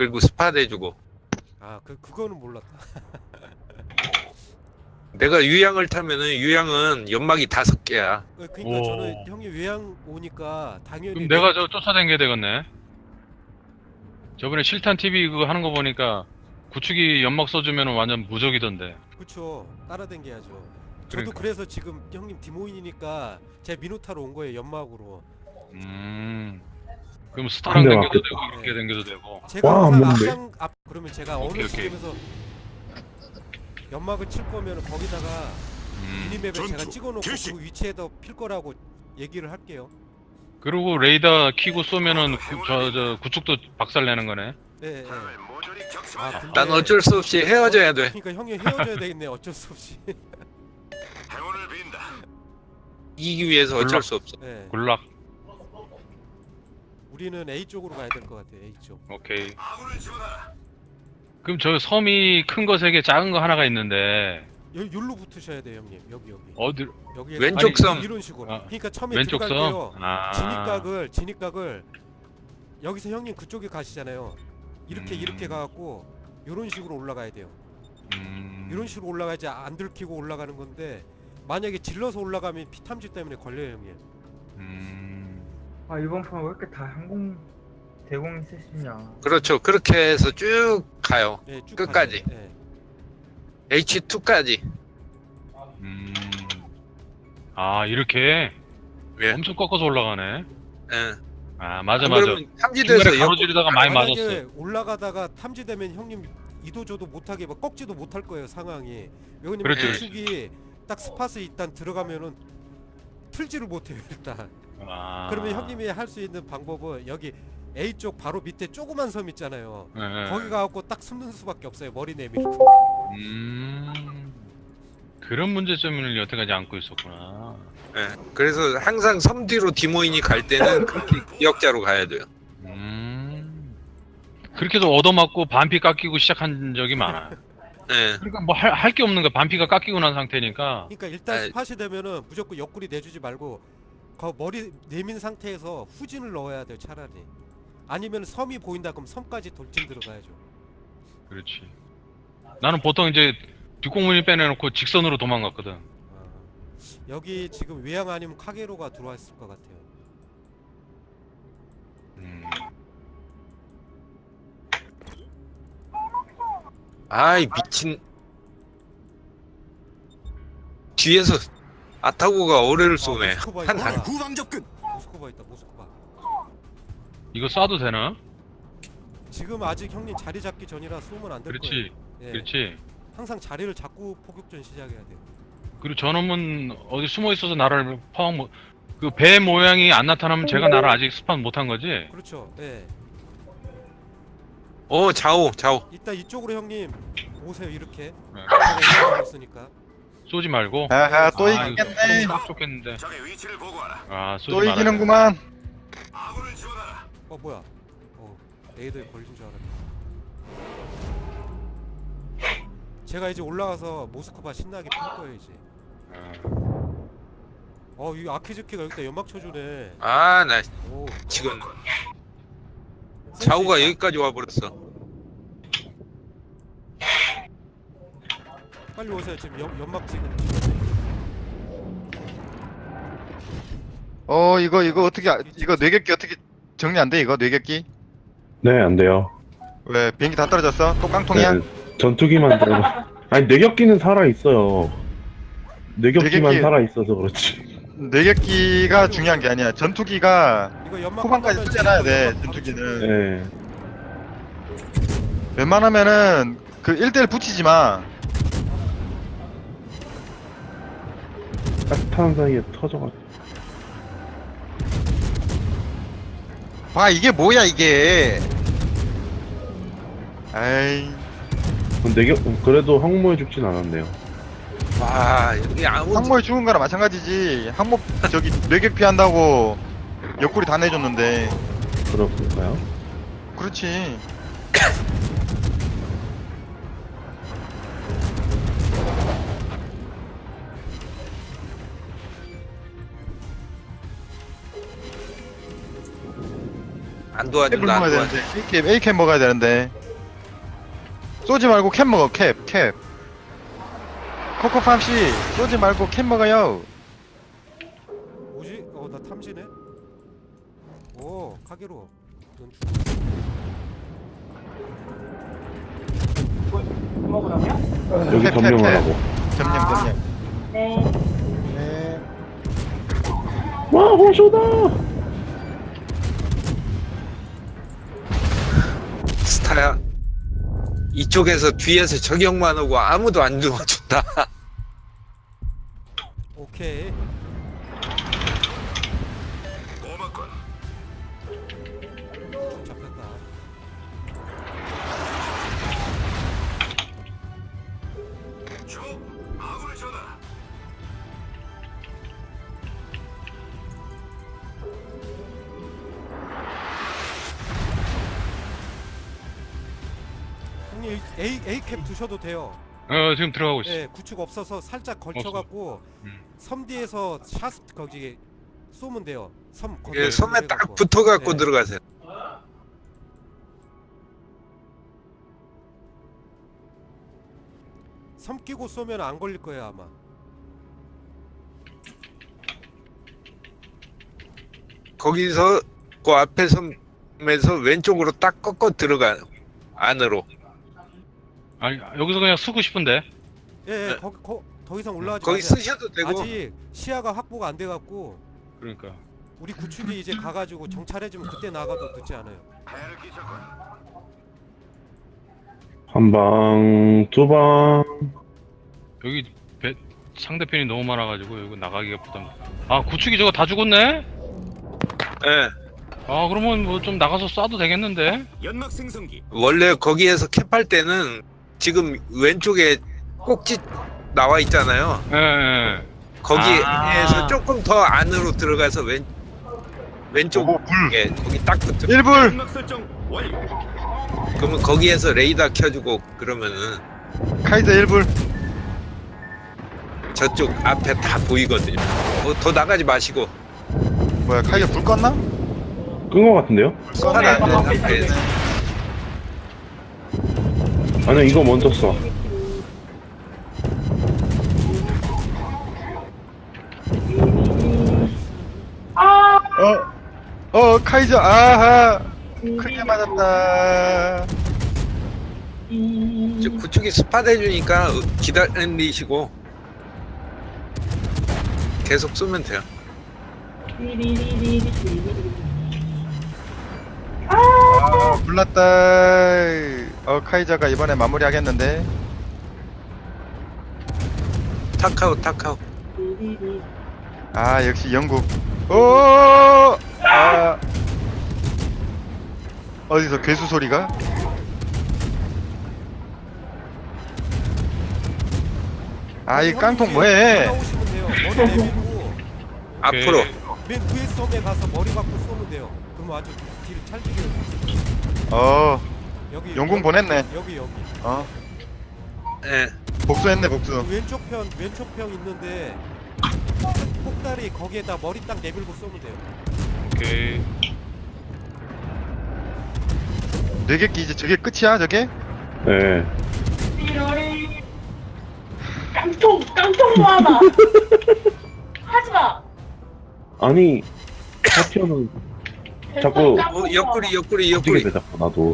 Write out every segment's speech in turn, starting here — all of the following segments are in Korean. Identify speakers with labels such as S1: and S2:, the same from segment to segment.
S1: 그리고 스팟 해주고.
S2: 아, 그거는 몰랐다.
S1: 내가 유양을 타면은 유양은 연막이 5개야.
S2: 그러니까
S3: 오.
S2: 저는 형님 외양 오니까 당연히
S3: 그럼 내가 저 쫓아다니게 되겠네. 저번에 실탄 TV 그거 하는 거 보니까 구축이 연막 써주면 완전 무적이던데.
S2: 그쵸, 따라댕겨야죠. 저도
S3: 그러니까.
S2: 그래서 지금 형님 디모인이니까 제 미노타로 온 거예요, 연막으로.
S3: 그럼 스타랑
S4: 한 대
S3: 당겨도
S4: 맞겠다.
S3: 되고 이렇게 당겨도 되고.
S2: 제가
S4: 와,
S2: 항상
S4: 뭔데?
S2: 앞 그러면 제가 어느
S3: 오케이.
S2: 시점에서 연막을 칠 거면 거기다가 미니맵에 제가 찍어놓고 그 위치에다 필 거라고 얘기를 할게요.
S3: 그리고 레이더 키고 쏘면은 저 구축도 박살내는 거네.
S2: 네, 네. 아, 근데
S1: 난 어쩔 수 없이 헤어져야 돼.
S2: 그러니까 형이 헤어져야 되겠네. 어쩔 수 없이.
S1: 이기기 위해서 어쩔 수 없어.
S2: 네.
S3: 굴락.
S2: 우리는 A 쪽으로 가야 될 것 같아요. A 쪽.
S3: 오케이. 그럼 저 섬이 큰 거 3개, 작은 거 하나가 있는데
S2: 여기로 붙으셔야 돼요, 형님. 여기.
S3: 어디?
S2: 여기
S1: 왼쪽 섬.
S2: 이런 식으로.
S3: 아,
S2: 그러니까 처음에
S3: 왼쪽
S2: 들어갈게요.
S3: 섬. 아.
S2: 진입각을 여기서 형님 그쪽에 가시잖아요. 이렇게 가갖고 이런 식으로 올라가야 돼요. 이런 식으로 올라가야지 안 들키고 올라가는 건데 만약에 질러서 올라가면 피탐지 때문에 걸려요, 형님.
S5: 아 이번 판 왜 이렇게 다 항공 대공이 쓰시냐?
S1: 그렇죠. 그렇게 해서 쭉 가요.
S2: 네, 쭉
S1: 끝까지.
S2: 가세요. 네.
S1: H2까지.
S3: 아 이렇게
S1: 왜?
S3: 엄청 꺾어서 올라가네.
S1: 예.
S3: 아 맞아.
S1: 그러면 탐지대에서
S3: 중간에 가로지르다가 많이
S2: 만약에
S3: 맞았어.
S2: 올라가다가 탐지되면 형님 이도저도 못하게 막 꺾지도 못할 거예요, 상황이. 왜냐면
S3: 그렇지,
S2: 구축이 딱 스팟에 일단 들어가면은 틀지를 못해요, 일단.
S3: 아.
S2: 그러면 형님이 할 수 있는 방법은 여기 A 쪽 바로 밑에 조그만 섬 있잖아요.
S3: 네.
S2: 거기 가갖고 딱 숨는 수밖에 없어요. 머리 내밀고.
S3: 그런 문제점을 여태까지 안고 있었구나.
S1: 예. 그래서 항상 섬 뒤로 디모인이 갈 때는 그렇게 기억자로 가야 돼요.
S3: 그렇게 해서 얻어맞고 반피 깎이고 시작한 적이 많아.
S1: 예.
S3: 그러니까 뭐 할 게 없는 거야. 반피가 깎이고 난 상태니까.
S2: 그러니까 일단
S1: 아이.
S2: 스팟이 되면은 무조건 옆구리 내주지 말고 그 머리 내민 상태에서 후진을 넣어야 돼요, 차라리. 아니면 섬이 보인다 그럼 섬까지 돌진 들어가야죠.
S3: 그렇지. 나는 보통 이제 뒷공문이 빼내놓고 직선으로 도망갔거든.
S2: 여기 지금 외양 아니면 카게로가 들어왔을 것 같아요.
S1: 아이 미친. 뒤에서 아타고가 어뢰를 쏘네.
S2: 모스크바
S1: 한
S2: 있다.
S1: 한.
S6: 후방 접근.
S2: 모스크바 있다. 모스크바.
S3: 이거 쏴도 되나?
S2: 지금 아직 형님 자리 잡기 전이라 쏘면 안 될 거예요.
S3: 그렇지.
S2: 예.
S3: 그렇지.
S2: 항상 자리를 잡고 포격전 시작해야 돼요.
S3: 그리고 저놈은 어디 숨어 있어서 나를 파악 못. 그 배 모양이 안 나타나면 제가 나를 아직 스판 못한 거지.
S2: 그렇죠. 예.
S1: 좌우.
S2: 이따 이쪽으로 형님 오세요. 이렇게.
S3: 네.
S2: 제가 올라가고 있으니까.
S3: 쏘지 말고.
S4: 아하 또
S3: 아, 이거
S4: 이기겠네.
S3: 딱 좋겠는데.
S6: 적의 위치를 보고하라.
S3: 아 쏘지
S4: 또
S3: 말아야 돼.
S4: 이기는구만.
S6: 아군을 지원하라.
S2: 뭐야? 레이더에 걸린 줄 알았네. 제가 이제 올라가서 모스크바 신나게 필 거예요 이제. 이 아키즈키가 여기다 연막 쳐주네.
S1: 아, 나
S2: 오.
S1: 지금 좌우가 여기까지 와버렸어.
S2: 빨리 오세요. 지금 연막 지금.
S4: 이거 어떻게 이거 뇌격기 어떻게 정리 안 돼? 이거 뇌격기?
S7: 네, 안 돼요.
S4: 왜 비행기 다 떨어졌어? 또 깡통이야?
S7: 네, 전투기만 들어. 아니, 뇌격기는 살아 있어요. 뇌격기만
S4: 뇌격기-
S7: 살아 있어서 그렇지.
S4: 뇌격기가 중요한 게 아니야. 전투기가
S2: 이거 연막
S4: 후반까지
S2: 한번
S4: 쓰잖아야 돼.
S2: 바로
S4: 전투기는.
S7: 네.
S4: 웬만하면은 그 1대1 붙이지 마.
S7: 따뜻한 사이에 터져가지고.
S4: 봐 이게 뭐야 이게. 아이
S7: 그래도 항모에 죽진 않았네요.
S1: 와, 여기 아무
S4: 항모에 죽은 거랑 마찬가지지. 항모 저기 뇌격 피한다고 옆구리 다 내줬는데.
S7: 그렇을까요?
S4: 그렇지.
S1: 안 안
S4: 캡을
S1: 도와준다. 안
S4: 먹어야
S1: 도와준다.
S4: 되는데 A캡 먹어야 되는데 쏘지 말고 캡 먹어 캡 코코팜씨 쏘지 말고 캡 먹어요.
S2: 뭐지? 나 탐지네. 오, 카게로. 넌
S7: 여기
S4: 캡,
S7: 점령을
S4: 캡.
S7: 하고.
S4: 점령
S8: 네.
S4: 네.
S7: 와, 호쇼다!
S1: 스타야. 이쪽에서 뒤에서 저격만 오고 아무도 안 도와준다.
S2: 오케이.
S6: 고맙군.
S2: 좀 잡혔다.
S6: 주 아군을 전하라.
S2: 형님 A 캡 드셔도 돼요.
S3: 지금 들어가고 있어.
S2: 예, 구축 없어서 살짝 걸쳐갖고
S3: 음.
S2: 섬 뒤에서 샷 거기 쏘면 돼요. 섬 거기
S1: 예, 섬에 딱
S2: 해갖고.
S1: 붙어갖고
S2: 네.
S1: 들어가세요.
S2: 섬 끼고 쏘면 안 걸릴 거예요 아마.
S1: 거기서 그 앞에 섬에서 왼쪽으로 딱 꺾어 들어가 안으로.
S3: 아니 여기서 그냥 쓰고 싶은데.
S2: 예,
S1: 네.
S2: 더 이상 올라가지
S1: 거기
S2: 마세요.
S1: 쓰셔도 되고.
S2: 아직 시야가 확보가 안 돼갖고
S3: 그러니까.
S2: 우리 구축이 이제 가가지고 정찰해주면 그때 나가도 늦지 않아요.
S6: 애를 끼쳤군.
S7: 한 방, 두 방.
S3: 여기 상대편이 너무 많아가지고 여기 나가기가 부담. 아 구축이 저거 다 죽었네?
S1: 예.
S3: 아 그러면 뭐 좀 나가서 쏴도 되겠는데?
S6: 연막 생성기.
S1: 원래 거기에서 캡할 때는 지금 왼쪽에 꼭지 나와 있잖아요.
S3: 예.
S1: 거기에서
S3: 아.
S1: 조금 더 안으로 들어가서 왼쪽
S4: 오, 불.
S1: 에 거기 딱 붙어.
S4: 1불
S6: 연막 설정 완료.
S1: 그러면 거기에서 레이더 켜주고 그러면은
S4: 카이저 1불
S1: 저쪽 앞에 다 보이거든요. 더 나가지 마시고.
S4: 뭐야 카이저 불 껐나?
S7: 끈 거 같은데요?
S1: 하나 안 돼, 상태에서.
S7: 아니, 이거 먼저 써.
S4: 카이저 아하 크게 맞았다.
S1: 이제 구축이 스팟 해주니까 기다리시고 계속 쏘면 돼요.
S4: 아 불났다. 카이저가 이번에 마무리하겠는데.
S1: 타카오.
S4: 아 역시 영국. 오. 아. 어디서 괴수 소리가? 아 이 깡통 뭐해?
S2: 올라오시면 돼요. 머리 내밀고
S1: 앞으로.
S2: 맨 위에 섬에 가서 머리 갖고 쏘면 돼요. 그럼 아주 뒤를 찰지게. 여기
S4: 용궁 보냈네.
S2: 여기.
S1: 예.
S4: 복수했네 복수.
S2: 왼쪽 편 있는데 폭다리 거기에다 머리 딱 내밀고 쏘면 돼요.
S3: 오케이.
S4: 4개 끼 이제 저게 끝이야 저게?
S7: 네.
S8: 깡통 모아봐. 하지마.
S7: 아니, 파티어는 자꾸
S1: 옆구리.
S7: 움직이게 돼, 자꾸, 나도.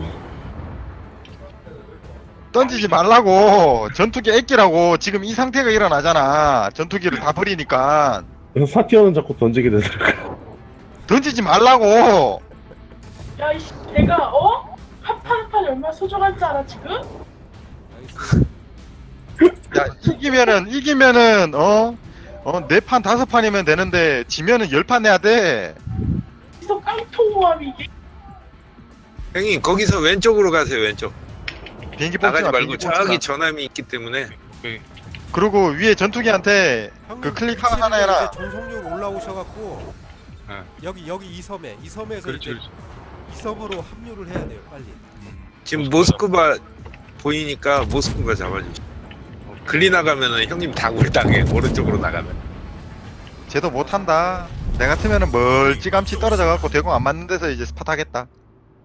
S4: 던지지 말라고. 전투기 애끼라고. 지금 이 상태가 일어나잖아. 전투기를 다 버리니까
S7: 그래서 사티어는 자꾸 던지게 되더라고.
S4: 던지지 말라고.
S8: 야 이씨 내가 한판 얼마나 소중한 줄 알아 지금?
S2: 알겠습니다.
S4: 야 이기면은 4판 5판이면 되는데 지면은 10판 내야 돼.
S8: 이서 깡통 모함이 이게.
S1: 형님 거기서 왼쪽으로 가세요. 왼쪽.
S4: 비행기
S1: 나가지
S4: 뽑지 마,
S1: 말고
S4: 비행기 뽑지 마.
S1: 저기 전함이 있기 때문에.
S3: 오케이.
S4: 그리고 위에 전투기한테
S2: 형님,
S4: 클릭 하나
S2: 위치를
S4: 해라.
S2: 이제 전속력 올라오셔갖고
S3: 네.
S2: 여기 이 섬에서
S3: 그렇지.
S2: 이제 이 섬으로 합류를 해야 돼요 빨리.
S1: 지금 모스크바 보이니까 모스크바 잡아주세요. 글리 나가면은 형님 다굴 당해. 오른쪽으로 나가면.
S4: 쟤도 못한다. 내 같으면은 멀찌감치 떨어져갖고 대공 안 맞는 데서 이제 스팟 하겠다.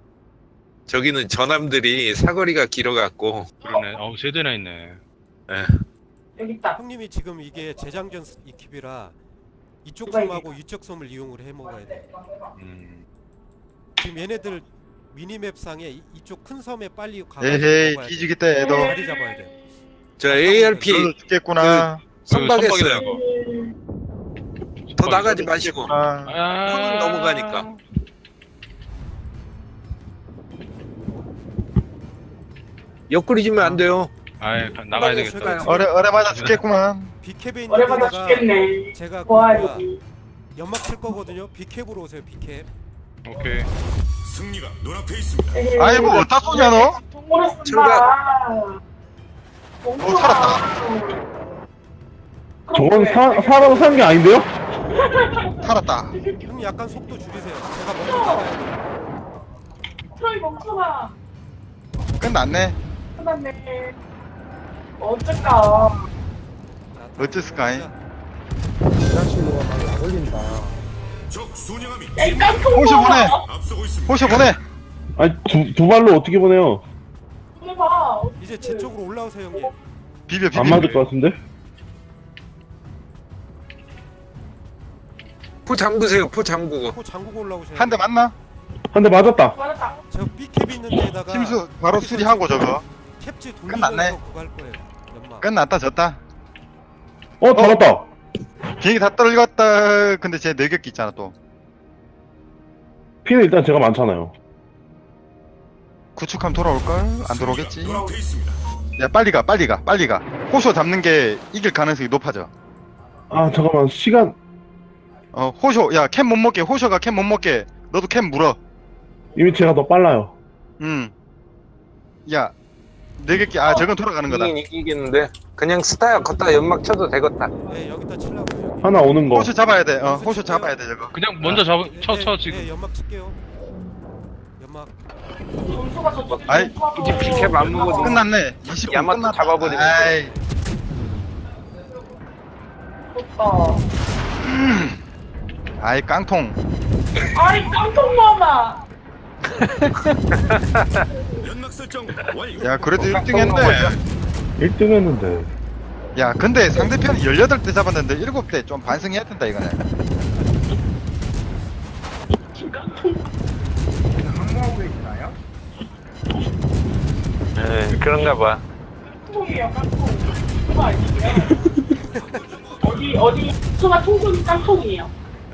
S1: 저기는 전함들이 사거리가 길어갖고
S3: 그러네. 어우, 세 대나 있네.
S8: 여기 있다.
S2: 형님이 지금 이게 재장전 이킵이라 이쪽
S8: 누가
S2: 섬하고 이쪽 섬을 이용을 해 먹어야 돼. 지금 얘네들 미니맵상에 이쪽 큰 섬에 빨리 가가지고
S4: 에헤이
S2: 먹어야 돼.
S4: 뒤지기 때 애도
S2: 자리 잡아야 돼.
S1: 저 ARP
S4: 너도 죽겠구나.
S1: 선박했어요. 더
S3: 선박이다.
S1: 나가지 마시고
S4: 아,
S1: 폰은 넘어가니까. 옆구리지면 안 돼요.
S3: 아이, 나가야 되겠다.
S2: 제가
S4: 어레 맞아 죽겠구만.
S2: 비캡에 있는
S8: 오래받아
S2: 데다가
S8: 죽겠네.
S2: 제가
S8: 와,
S2: 그거야,
S8: 여기.
S2: 연막 칠 거거든요. 비캡으로 오세요. 비캡.
S3: 오케이.
S6: 승리가 눈앞에 있습니다.
S4: 아이고 어디다 쏘냐 너?
S8: 동물을 쓴다.
S4: 살았다.
S7: 저건 사람 산 게 아닌데요?
S4: 살았다.
S2: 형님 약간 속도 줄이세요. 제가 먼저 나가야 돼요.
S8: 트로이 멈춰봐.
S4: 끝났네.
S8: 끝났네. 어쩔까.
S2: 자,
S4: 어째스까이?
S6: 적 순양함이
S8: 야, 이 깡통
S4: 호시 보내.
S6: 앞서고 있습니다.
S4: 호쇼 보내.
S7: 아니 두 발로 어떻게 보내요?
S8: 보내봐.
S2: 이제 제 쪽으로 올라오세요, 형님.
S4: 비벼
S7: 안
S4: 비벼.
S7: 맞을 것 같은데?
S1: 포 잠그세요. 포 잠그고.
S2: 코 잠그고 올라오세요.
S4: 한 대 맞나?
S7: 한 대 맞았다.
S8: 맞았다.
S2: 저 B캡 있는 데다가
S4: 심수 바로 수리하고 저거.
S2: 캡지
S4: 끝났네.
S2: 돌리면서 그거 할 거예요. 연막.
S4: 끝났다 졌다.
S7: 잡았다.
S4: 비행기 다 떨궜다. 근데 쟤 내격기 있잖아 또.
S7: 피는 일단 제가 많잖아요.
S4: 구축하면 돌아올걸? 안 들어오겠지.
S6: 눈앞에 있습니다.
S4: 야 빨리 가 빨리 가 빨리 가. 호쇼 잡는 게 이길 가능성이 높아져.
S7: 아 잠깐만 시간
S4: 호쇼 야 캠 못 먹게. 호쇼가 캠 못 먹게. 너도 캠 물어.
S7: 이미 제가 더 빨라요.
S4: 야 내격기 저건 돌아가는 거다.
S1: 이기겠는데 그냥 스타야 걷다 연막 쳐도 되겠다.
S2: 네, 여기다 치려고요. 여기.
S7: 하나 오는 거.
S4: 호쇼 잡아야 돼. 호쇼 잡아야 돼 저거.
S3: 그냥 먼저 쳐
S2: 네,
S3: 지금.
S2: 네, 연막 칠게요. 연막.
S8: 점수가 저쪽이
S4: 아이,
S8: 높아서.
S1: 이제 비캡 안 먹어도
S4: 끝났네. 20분
S1: 야마토
S4: 끝났다.
S1: 잡아버리면
S4: 아이,
S8: 좋다.
S4: 아이 깡통.
S8: 아이, 깡통 마마.
S6: 연막 설정 완료.
S4: 야 그래도 1등 했네.
S7: 1등 했는데.
S4: 야 근데 상대편이 18대 잡았는데 7대 좀 반성해야 된다 이거는.
S5: 항모하고 계시나요?
S1: 네, 그런가 봐.
S8: 깡통이에요, 깡통. 그거 아니에요? 어디, 수가 통통이 깡통이에요.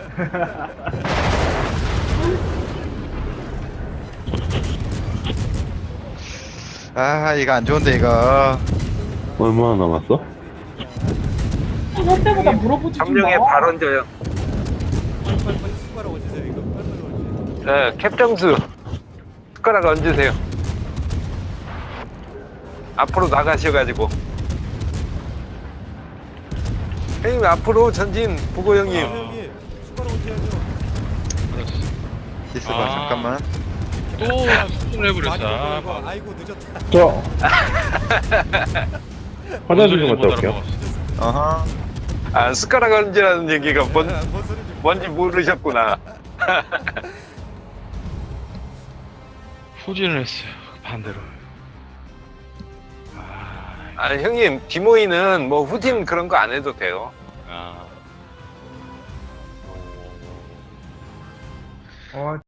S4: 아 이거 안 좋은데 이거.
S7: 얼마나 남았어?
S8: 할 때보다 물어보지 좀
S1: 점령에
S8: 마.
S1: 발 얹어요.
S2: 빨리 숟가락 얹으세요. 이거 빨리 얹으세요.
S1: 네, 캡정수 숟가락 얹으세요. 앞으로 나가셔가지고. 형님 앞으로 전진 보고 형님.
S2: 형님 숟가락 얹어야죠.
S4: 있어봐
S3: 아.
S4: 잠깐만.
S3: 또 수준을 해버렸어.
S2: 많이
S3: 아,
S2: 먹어, 이거. 아이고 늦었다.
S7: 저 화장실 좀 갔다 올게요.
S4: 어허.
S1: 아 숟가락 얹으라는 얘기가
S2: 뭔 소리지?
S1: 뭔지 모르셨구나.
S3: 후진을 했어요. 반대로.
S1: 아 형님 디모이는 뭐 후진 그런 거 안 해도 돼요.
S3: 아.
S5: 어,